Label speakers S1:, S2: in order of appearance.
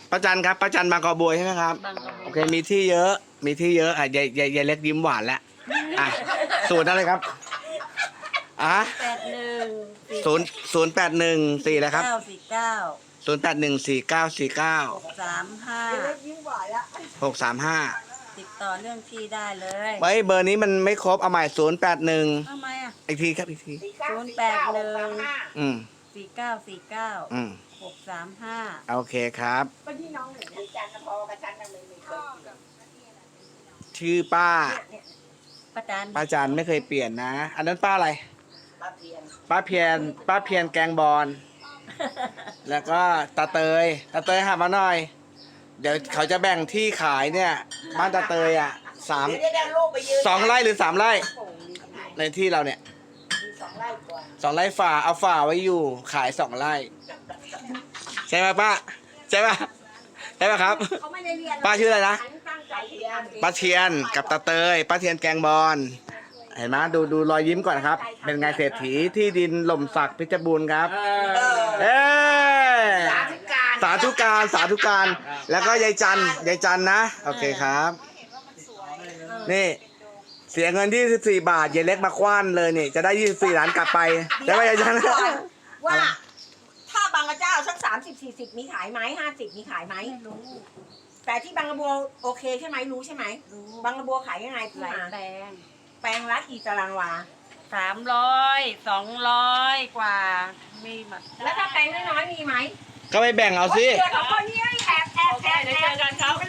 S1: ป้าจันครับป้าจันบางกอกบัวใช่ไหมครับ
S2: บางกะ
S1: โอเคมีที่เยอะอ่ะยายเล็กยิ้มหวานแล้วอ่ะสูตรอะไรครับอ่ะ
S2: 81
S1: 081 4แล้วครับ
S2: 949
S1: 081 4949
S2: 635
S1: 635
S2: ติดต่อเรื่องที่ได้เลย
S1: ไว้เบอร์นี้มันไม่ครบเอาใหม่081
S2: ทำไมอ่ะ
S1: อีกทีครับอีกที
S2: 081
S1: อืม
S2: 4949
S1: อืม
S2: 635
S1: โอเคครับ
S3: ก็ที่น้องหนูเนี่ยจันทร์พอกับฉันน่ะไม่เคยเปลี่ยน
S1: ชื่อป้า
S2: ป้าจัน
S1: ป้าจันไม่เคยเปลี่ยนนะ อันนั้นป้าอะไร
S3: ป้าเพียน
S1: ป้าเพียนแกงบอลแล้วก็ตาเตยหามาหน่อย เดี๋ยวเขาจะแบ่งที่ขายเนี่ยบ้านตาเตยอ่ะ
S3: เดี๋ยวได้ลูกไปยืน
S1: 2 ไร่หรือ 3 ไร่
S3: โอ้โหมี
S1: ในที่เราเนี่ย
S3: 2 ไร่กว่า
S1: 2 ไร่ฝ่าเอาฝ่าไว้อยู่ขาย 2 ไร่ ใช่ไหมป้าใช่ป่ะใช่ป่ะครับ
S3: เขาไม่ได้เรียน
S1: ป้าชื่ออะไรนะ
S3: ฉันตั้งใจเรียน
S1: ป้าเทียนกับตาเตยป้าเทียนแกงบอลเห็นไหมดูรอยยิ้มก่อนครับ เป็นไงเศรษฐีที่ดินหล่มสักเพชรบูรณ์ครับเอ้ย
S3: สาธุการ
S1: สาธุการแล้วก็ยายจันนะโอเคครับนี่เสียเงิน24 บาทยายเล็กมาคว้านเลยนี่จะได้24 ล้านกลับไปได้ไหมยายจัน
S3: ว่าถ้าบางกระเจ้าสัก30-40มีขายไหม50มีขายไหม
S2: ไม่รู้
S3: แต่ที่บางกระบัวโอเคใช่ไหมรู้ใช่ไหม
S2: รู้
S3: บางกระบัวขายยังไงพี่
S2: หลาย
S3: มา
S2: แปลง
S3: แปลงละกี่ตารางวา
S2: 300 200 กว่า มีหมด
S3: แล้วถ้าแปลงน้อยๆมีไหม
S1: ก็ไปแบ่งเอาสิ
S3: เดี๋ยวเขาคนนี้แอบ
S2: โอเคเดี๋ยวเจอกันครับ